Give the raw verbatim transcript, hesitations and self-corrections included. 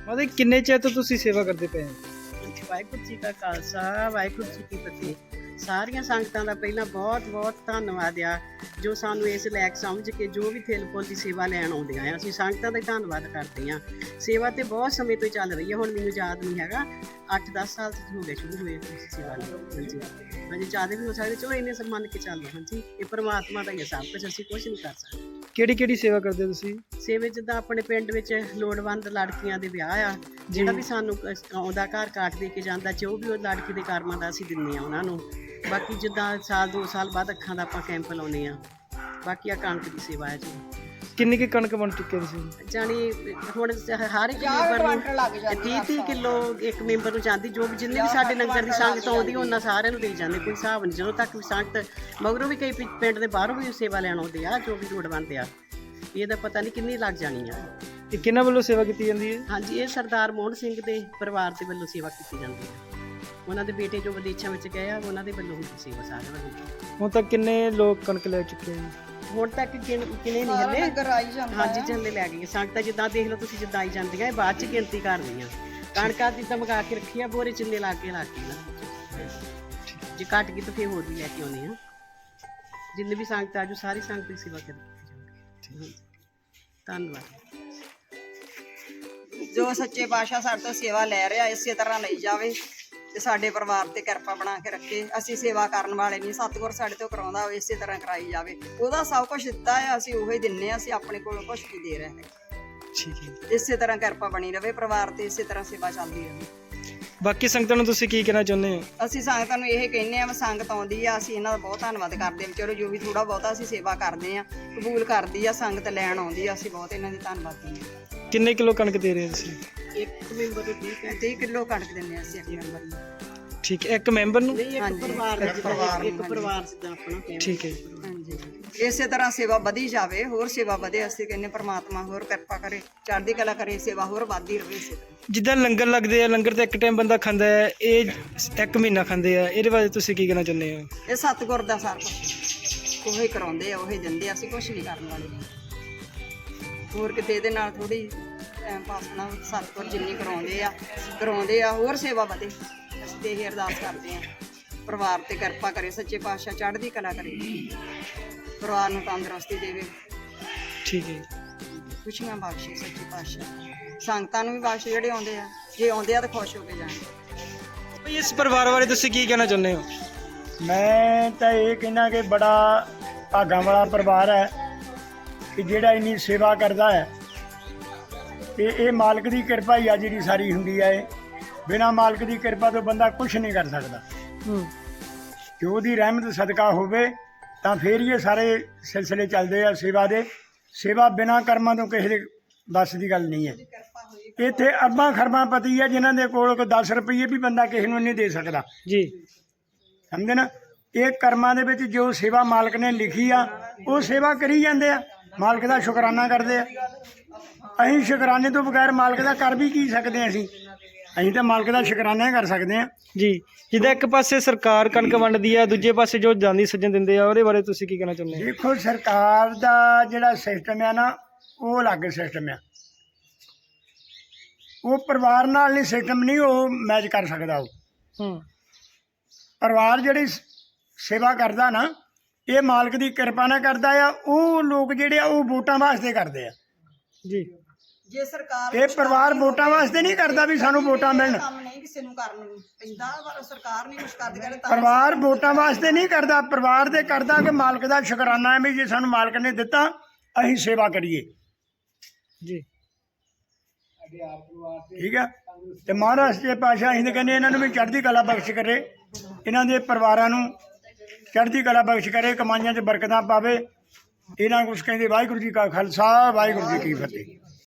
मतलब किन्ने चेर तो तुसी सेवा करते पे हैं? ਵਾਹਿਗੁਰੂ ਜੀ ਕਾ ਖਾਲਸਾ ਵਾਹਿਗੁਰੂ ਜੀ ਕੀ ਫਤਿਹ। ਸਾਰੀਆਂ ਸੰਗਤਾਂ ਦਾ ਪਹਿਲਾਂ ਬਹੁਤ ਬਹੁਤ ਧੰਨਵਾਦ ਆ ਜੋ ਸਾਨੂੰ ਇਸ ਲਾਇਕ ਸਮਝ ਕੇ ਜੋ ਵੀ ਥਿਲ ਫੁੱਲ ਦੀ ਸੇਵਾ ਲੈਣ ਆਉਂਦੀਆਂ ਆ। ਅਸੀਂ ਸੰਗਤਾਂ ਦਾ ਹੀ ਧੰਨਵਾਦ ਕਰਦੇ ਹਾਂ। ਸੇਵਾ ਤੇ ਬਹੁਤ ਸਮੇਂ ਤੋਂ ਚੱਲ ਰਹੀ ਹੈ, ਹੁਣ ਮੈਨੂੰ ਯਾਦ ਨਹੀਂ ਹੈਗਾ, ਅੱਠ ਦਸ ਸਾਲ ਤੋਂ ਹੋ ਗਏ ਸ਼ੁਰੂ ਹੋਏ ਸੇਵਾ ਲਈ। ਹਾਂਜੀ ਹਾਂਜੀ ਜ਼ਿਆਦਾ ਵੀ ਹੋ ਸਕਦੇ, ਚਲੋ ਇੰਨੇ ਸਭ ਮੰਨ ਕੇ ਚੱਲੋ। ਹਾਂਜੀ ਇਹ ਪਰਮਾਤਮਾ ਦਾ ਹੀ ਹੈ ਸਭ ਕੁਛ, ਅਸੀਂ ਕੁਛ ਨਹੀਂ ਕਰ ਸਕਦੇ। ਕਿਹੜੀ ਕਿਹੜੀ ਸੇਵਾ ਕਰਦੇ ਤੁਸੀਂ? ਸੇਵੇ ਜਿੱਦਾਂ ਆਪਣੇ ਪਿੰਡ ਵਿੱਚ ਲੋੜਵੰਦ ਲੜਕੀਆਂ ਦੇ ਵਿਆਹ ਆ, ਜਿਹੜਾ ਵੀ ਸਾਨੂੰ ਆਉਂਦਾ ਘਰ ਕਾਟ ਦੇ ਕੇ ਜਾਂਦਾ, ਜੋ ਵੀ ਉਹ ਲੜਕੀ ਦੇ ਕਰਮਾਂ ਦਾ ਅਸੀਂ ਦਿੰਦੇ ਹਾਂ ਉਹਨਾਂ ਨੂੰ। ਬਾਕੀ ਜਿੱਦਾਂ ਸਾਲ ਦੋ ਸਾਲ ਬਾਅਦ ਅੱਖਾਂ ਦਾ ਆਪਾਂ ਕੈਂਪ ਲਾਉਂਦੇ ਹਾਂ। ਬਾਕੀ ਆ ਕਣਕ ਦੀ ਸੇਵਾ ਹੈ ਜੀ। ਕਿੰਨੀ ਕੁ ਕਣਕ ਬਣ ਚੁੱਕੇ ਤੁਸੀਂ? ਜਾਣੀ ਹੁਣ ਹਰ ਇੱਕ ਮੈਂਬਰ ਨੂੰ ਤੀਹ ਤੀਹ ਕਿਲੋ ਇੱਕ ਮੈਂਬਰ ਨੂੰ ਜਾਂਦੀ, ਜੋ ਵੀ ਜਿੰਨੇ ਵੀ ਸਾਡੇ ਲੰਗਰ ਦੀ ਸੰਗਤ ਆਉਂਦੀ ਉਹਨਾਂ ਸਾਰਿਆਂ ਨੂੰ ਦੇਈ ਜਾਂਦੇ, ਕੋਈ ਹਿਸਾਬ ਨਹੀਂ। ਜਦੋਂ ਤੱਕ ਵੀ ਸੰਗਤ ਮਗਰੋਂ ਵੀ ਕਈ ਪਿੰਡ ਦੇ ਬਾਹਰੋਂ ਵੀ ਸੇਵਾ ਲੈਣ ਆਉਂਦੇ ਆ, ਜੋ ਵੀ ਲੋੜਵੰਦ ਆ, ਇਹਦਾ ਪਤਾ ਨਹੀਂ ਕਿੰਨੀ ਲੱਗ ਜਾਣੀ ਆ। ਇਹ ਕਿਹਨਾਂ ਵੱਲੋਂ ਸੇਵਾ ਕੀਤੀ ਜਾਂਦੀ ਹੈ? ਹਾਂਜੀ ਇਹ ਸਰਦਾਰ ਮੋਹਨ ਸਿੰਘ ਦੇ ਪਰਿਵਾਰ ਦੇ ਵੱਲੋਂ ਸੇਵਾ ਕੀਤੀ ਜਾਂਦੀ ਹੈ। ਉਹਨਾਂ ਦੇ ਬੇਟੇ ਜੋ ਵਿਦੇਸ਼ਾਂ ਵਿੱਚ ਗਏ ਆ, ਉਹਨਾਂ ਦੇ ਵੱਲੋਂ ਹੁੰਦੀ ਸੇਵਾ ਸਾਰਿਆਂ ਵੱਲੋਂ। ਹੁਣ ਤੱਕ ਕਿੰਨੇ ਲੋਕ ਕਣਕ ਲੈ ਚੁੱਕੇ ਹਨ? ਹੁਣ ਤੱਕ ਕਿੰਨੇ ਨਹੀਂ ਹਲੇ, ਹਾਂਜੀ ਚੱਲੇ ਲੈ ਗਏ ਸੰਗਤਾਂ। ਜਿੱਦਾਂ ਦੇਖ ਲਓ ਤੁਸੀਂ, ਜਿੱਦਾਂ ਆਈ ਜਾਂਦੀਆਂ ਇਹ ਬਾਅਦ ਚ ਗਿਣਤੀ ਕਰਦੀਆਂ। ਕਣਕਾਂ ਦੀ ਤਾਂ ਮਗਾ ਕੇ ਰੱਖੀ ਆ, ਬੋਰੇ ਚਿੰਨੇ ਲਾ ਕੇ ਲਾ ਕੇ ਨਾ, ਜੇ ਘੱਟ ਗਈ ਤਾਂ ਫਿਰ ਹੋਰ ਵੀ ਲੈ ਕੇ ਆਉਣੇ ਆ। ਜਿੰਨੇ ਵੀ ਸੰਗਤ ਆਜੂ ਸਾਰੀ ਸੰਗਤ ਦੀ ਸੇਵਾ ਕਰੀ। ਧੰਨਵਾਦ। ਜੋ ਸੱਚੇ ਪਾਤਸ਼ਾਹ ਸਾਡੇ ਤੋਂ ਸੇਵਾ ਲੈ ਰਿਹਾ ਇਸੇ ਤਰ੍ਹਾਂ ਲਈ ਜਾਵੇ ਤੇ ਸਾਡੇ ਪਰਿਵਾਰ ਤੇ ਕਿਰਪਾ ਬਣਾ ਕੇ ਰੱਖੇ। ਅਸੀਂ ਸੇਵਾ ਕਰਨ ਵਾਲੇ ਨਹੀਂ, ਸਤਿਗੁਰ ਸਾਡੇ ਤੋਂ ਕਰਾਉਂਦਾ ਹੋਵੇ ਇਸੇ ਤਰ੍ਹਾਂ ਕਰਾਈ ਜਾਵੇ। ਉਹਦਾ ਸਭ ਕੁਝ ਦਿੱਤਾ ਹੈ, ਅਸੀਂ ਉਹੀ ਦਿੰਨੇ ਆ, ਅਸੀਂ ਆਪਣੇ ਕੋਲੋਂ ਕੁਝ ਨਹੀਂ ਦੇ ਰਹੇ ਹੈਗੇ। ਠੀਕ ਹੈ, ਇਸੇ ਤਰ੍ਹਾਂ ਕਿਰਪਾ ਬਣੀ ਰਵੇ ਪਰਿਵਾਰ ਤੇ, ਇਸੇ ਤਰ੍ਹਾਂ ਸੇਵਾ ਚੱਲਦੀ ਰਹੇ। ਬਾਕੀ ਸੰਗਤਾਂ ਨੂੰ ਤੁਸੀਂ ਕੀ ਕਹਿਣਾ ਚਾਹੁੰਦੇ ਹੋ? ਅਸੀਂ ਸੰਗਤਾਂ ਨੂੰ ਇਹ ਕਹਿੰਦੇ ਆ, ਸੰਗਤ ਆਉਂਦੀ ਆ, ਅਸੀਂ ਇਹਨਾਂ ਦਾ ਬਹੁਤ ਧੰਨਵਾਦ ਕਰਦੇ ਹਾਂ। ਚਲੋ ਜੋ ਵੀ ਥੋੜਾ ਬਹੁਤਾ ਅਸੀਂ ਸੇਵਾ ਕਰਦੇ ਆ, ਕਬੂਲ ਕਰਦੀ ਆ, ਸੰਗਤ ਲੈਣ ਆਉਂਦੀ ਆ, ਅਸੀਂ ਬਹੁਤ ਇਹਨਾਂ ਦੀ ਧੰਨਵਾਦੀ ਹਾਂ। ਕਿੰਨੇ ਕਿਲੋ ਕਣਕ ਦੇ ਰਹੇ ਹੋ ਤੁਸੀਂ? ਇੱਕ ਮੈਂਬਰ ਨੂੰ ਠੀਕ ਤੀਹ ਕਿਲੋ ਕਣਕ ਦਿੰਦੇ ਆ ਅਸੀਂ ਇੱਕ ਮੈਂਬਰ ਨੂੰ। ਠੀਕ ਹੈ, ਇੱਕ ਮੈਂਬਰ ਨੂੰ? ਨਹੀਂ, ਇੱਕ ਪਰਿਵਾਰ ਦਾ, ਇੱਕ ਪਰਿਵਾਰ ਜਿੱਦਾਂ ਆਪਣਾ। ਠੀਕ ਹੈ, ਹਾਂਜੀ ਇਸੇ ਤਰ੍ਹਾਂ ਸੇਵਾ ਵਧੀ ਜਾਵੇ, ਹੋਰ ਸੇਵਾ ਵਧੇ। ਅਸੀਂ ਕਹਿੰਦੇ ਪਰਮਾਤਮਾ ਹੋਰ ਕਿਰਪਾ ਕਰੇ, ਚੜ੍ਹਦੀ ਕਲਾ ਕਰੇ, ਸੇਵਾ ਹੋਰ ਵੱਧਦੀ ਰਹੇ ਇਸੇ ਤਰ੍ਹਾਂ। ਜਿੱਦਾਂ ਲੰਗਰ ਲੱਗਦੇ ਆ, ਲੰਗਰ ਤੇ ਇੱਕ ਟਾਈਮ ਬੰਦਾ ਖਾਂਦਾ ਹੈ, ਇਹ ਇੱਕ ਮਹੀਨਾ ਖਾਂਦੇ ਆ, ਇਹਦੇ ਬਾਰੇ ਤੁਸੀਂ ਕੀ ਕਹਿਣਾ ਚਾਹੁੰਦੇ ਹੋ? ਇਹ ਸਤਿਗੁਰ ਦਾ ਸਾਰਾ ਕੁਛ ਉਹੀ ਕਰਾਉਂਦੇ ਆ, ਉਹੀ ਦਿੰਦੇ ਆ, ਅਸੀਂ ਕੁਛ ਨਹੀਂ ਕਰਨ ਵਾਲੇ। ਹੋਰ ਕਿਤੇ ਇਹਦੇ ਨਾਲ ਥੋੜੀ ਟਾਈਮ ਪਾਸ ਨਾ, ਸਤਿਗੁਰ ਜਿੰਨੀ ਕਰਾਉਂਦੇ ਆ ਕਰਾਉਂਦੇ ਆ, ਹੋਰ ਸੇਵਾ ਵਧੇ। ਅਸੀਂ ਤੇ ਇਹ ਅਰਦਾਸ ਕਰਦੇ ਆ ਪਰਿਵਾਰ ਤੇ ਕਿਰਪਾ ਕਰੇ, ਸੱਚੇ ਪਾਤਸ਼ਾਹ ਚੜ੍ਹਦੀ ਕਲਾ ਕਰੇ, ਪਰਿਵਾਰ ਨੂੰ ਤੰਦਰੁਸਤੀ ਦੇਵੇ। ਠੀਕ ਹੈ, ਖੁਸ਼ੀਆਂ ਬਖਸ਼ੇ ਸੱਚੇ ਪਾਤਸ਼ਾਹ, ਸੰਗਤਾਂ ਨੂੰ ਵੀ ਬਖਸ਼ੇ ਜਿਹੜੇ ਆਉਂਦੇ ਆ, ਜੇ ਆਉਂਦੇ ਆ ਤਾਂ ਖੁਸ਼ ਹੋ ਕੇ ਜਾਣ। ਬਈ ਇਸ ਪਰਿਵਾਰ ਬਾਰੇ ਤੁਸੀਂ ਕੀ ਕਹਿਣਾ ਚਾਹੁੰਦੇ ਹੋ? ਮੈਂ ਤਾਂ ਇਹ ਕਹਿੰਦਾ ਕਿ ਬੜਾ ਭਾਗਾਂ ਵਾਲਾ ਪਰਿਵਾਰ ਹੈ ਕਿ ਜਿਹੜਾ ਇੰਨੀ ਸੇਵਾ ਕਰਦਾ ਹੈ। ਤੇ ਇਹ ਮਾਲਕ ਦੀ ਕਿਰਪਾ ਹੀ ਆ ਜਿਹੜੀ ਸਾਰੀ ਹੁੰਦੀ ਹੈ। ਇਹ ਬਿਨਾਂ ਮਾਲਕ ਦੀ ਕਿਰਪਾ ਤੋਂ ਬੰਦਾ ਕੁਝ ਨਹੀਂ ਕਰ ਸਕਦਾ। ਹੂੰ, ਕਿ ਉਹਦੀ ਰਹਿਮਤ ਸਦਕਾ ਹੋਵੇ ਤਾਂ ਫਿਰ ਹੀ ਇਹ ਸਾਰੇ ਸਿਲਸਿਲੇ ਚੱਲਦੇ ਆ ਸੇਵਾ ਦੇ। ਸੇਵਾ ਬਿਨਾਂ ਕਰਮਾਂ ਤੋਂ ਕਿਸੇ ਦੇ ਵੱਸ ਦੀ ਗੱਲ ਨਹੀਂ ਹੈ। ਇੱਥੇ ਅਰਬਾਂ ਖਰਬਾਂ ਪਤੀ ਹੈ ਜਿਨ੍ਹਾਂ ਦੇ ਕੋਲ ਕੋਈ ਦਸ ਰੁਪਈਏ ਵੀ ਬੰਦਾ ਕਿਸੇ ਨੂੰ ਨਹੀਂ ਦੇ ਸਕਦਾ ਜੀ, ਸਮਝੇ ਨਾ। ਇਹ ਕਰਮਾਂ ਦੇ ਵਿੱਚ ਜੋ ਸੇਵਾ ਮਾਲਕ ਨੇ ਲਿਖੀ ਆ ਉਹ ਸੇਵਾ ਕਰੀ ਜਾਂਦੇ ਆ, ਮਾਲਕ ਦਾ ਸ਼ੁਕਰਾਨਾ ਕਰਦੇ ਆ। ਅਸੀਂ ਸ਼ੁਕਰਾਨੇ ਤੋਂ ਬਗੈਰ ਮਾਲਕ ਦਾ ਕਰ ਵੀ ਕੀ ਸਕਦੇ ਹਾਂ? ਅਸੀਂ ਅਸੀਂ ਤਾਂ ਮਾਲਕ ਦਾ ਸ਼ੁਕਰਾਨਾ ਹੀ ਕਰ ਸਕਦੇ ਹਾਂ ਜੀ। ਜਿੱਦਾਂ ਇੱਕ ਪਾਸੇ ਸਰਕਾਰ ਕਣਕ ਵੰਡਦੀ ਆ, ਦੂਜੇ ਪਾਸੇ ਜੋ ਜਾਂਦੀ ਸੱਜਣ ਦਿੰਦੇ ਆ, ਉਹਦੇ ਬਾਰੇ ਤੁਸੀਂ ਕੀ ਕਹਿਣਾ ਚਾਹੁੰਦੇ ਹੋ? ਦੇਖੋ ਸਰਕਾਰ ਦਾ ਜਿਹੜਾ ਸਿਸਟਮ ਆ ਨਾ, ਉਹ ਅਲੱਗ ਸਿਸਟਮ ਆ। ਉਹ ਪਰਿਵਾਰ ਨਾਲ ਨਹੀਂ, ਸਿਸਟਮ ਨਹੀਂ ਉਹ ਮੈਚ ਕਰ ਸਕਦਾ। ਉਹ ਹੂੰ, ਪਰਿਵਾਰ ਜਿਹੜੀ ਸੇਵਾ ਕਰਦਾ ਨਾ, ਇਹ ਮਾਲਕ ਦੀ ਕਿਰਪਾ ਨਾਲ ਕਰਦਾ ਆ। ਉਹ ਲੋਕ ਜਿਹੜੇ ਆ ਉਹ ਵੋਟਾਂ ਵਾਸਤੇ ਕਰਦੇ ਆ ਜੀ। ਜੇ ਸਰਕਾਰ ਇਹ ਪਰਿਵਾਰ ਵੋਟਾਂ ਵਾਸਤੇ ਨਹੀਂ ਕਰਦਾ ਵੀ ਸਾਨੂੰ ਵੋਟਾਂ ਮਿਲਣ। ਕੰਮ ਨਹੀਂ ਕਿਸੇ ਨੂੰ ਕਰਨ ਪੈਂਦਾ, ਪਰ ਸਰਕਾਰ ਨਹੀਂ ਕੁਛ ਕਰਦੀ। ਕਹਿੰਦੇ ਪਰਿਵਾਰ ਵੋਟਾਂ ਵਾਸਤੇ ਨਹੀਂ ਕਰਦਾ, ਪਰਿਵਾਰ ਦੇ ਕਰਦਾ ਕਿ ਮਾਲਕ ਦਾ ਸ਼ੁਕਰਾਨਾ ਹੈ ਵੀ ਜੇ ਸਾਨੂੰ ਮਾਲਕ ਨੇ ਦਿੱਤਾ ਅਸੀਂ ਸੇਵਾ ਕਰੀਏ। ਜੀ ਠੀਕ ਆ। ਤੇ ਮਹਾਰਾਜ ਦੇ ਪਾਤਸ਼ਾਹ ਅਸੀਂ ਤਾਂ ਕਹਿੰਦੇ ਇਹਨਾਂ ਨੂੰ ਵੀ ਚੜ੍ਹਦੀ ਕਲਾ ਬਖਸ਼ ਕਰੇ, ਇਹਨਾਂ ਦੇ ਪਰਿਵਾਰਾਂ ਨੂੰ ਚੜ੍ਹਦੀ ਕਲਾ ਬਖਸ਼ ਕਰੇ, ਕਮਾਈਆਂ 'ਚ ਬਰਕਤਾਂ ਪਾਵੇ। ਇਹਨਾਂ ਕੁਛ ਕਹਿੰਦੇ ਵਾਹਿਗੁਰੂ ਜੀ ਕਾ ਖਾਲਸਾ ਵਾਹਿਗੁਰੂ ਜੀ ਕੀ ਫਤਿਹ।